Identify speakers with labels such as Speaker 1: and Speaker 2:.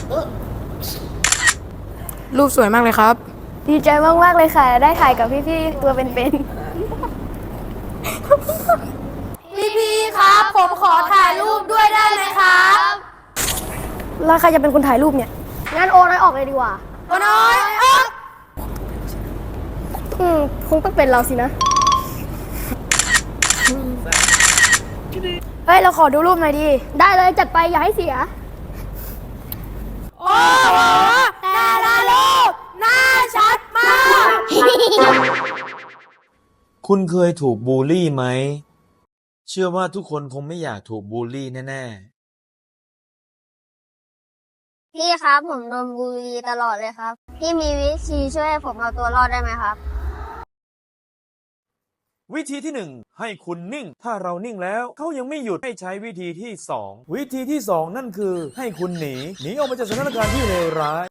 Speaker 1: รูปสวยมากเลยครับ
Speaker 2: ดีใจมากๆเลยค่ะ ได้ถ่ายกับพี่ๆตัวเป็น
Speaker 3: พี่ครับผมขอถ่ายรูปด้วยได้ไหมครับ
Speaker 2: ๆแล้วใครจะเป็นคนถ่ายรูปเนี่ยงั้นโอนน้อยออกเลยดีกว่า
Speaker 3: โอ้น้อยออก
Speaker 2: คงต้องเป็นเราสินะเฮ้ยเราขอดูรูปหน่อยดิได้เลยจัดไปอย่าให้เสีย
Speaker 3: โอ้โหแต่ละรูปหน้าชัดมาก
Speaker 4: คุณเคยถูกบูลลี่ไหม เชื่อว่าทุกคนคงไม่อยากถูกบูลลี่แน่ๆ
Speaker 2: พี่ครับผมโดนบูลลี่ตลอดเลยครับพี่มีวิธีช่วยให้ผมเอาตัวรอดได้ไหมครับ
Speaker 4: วิธีที่ 1 ให้คุณนิ่ง ถ้าเรานิ่งแล้วเขายังไม่หยุดให้ใช้วิธีที่ 2 วิธีที่ 2 นั่นคือให้คุณหนีออกมาจากสถานการณ์ที่เลวร้าย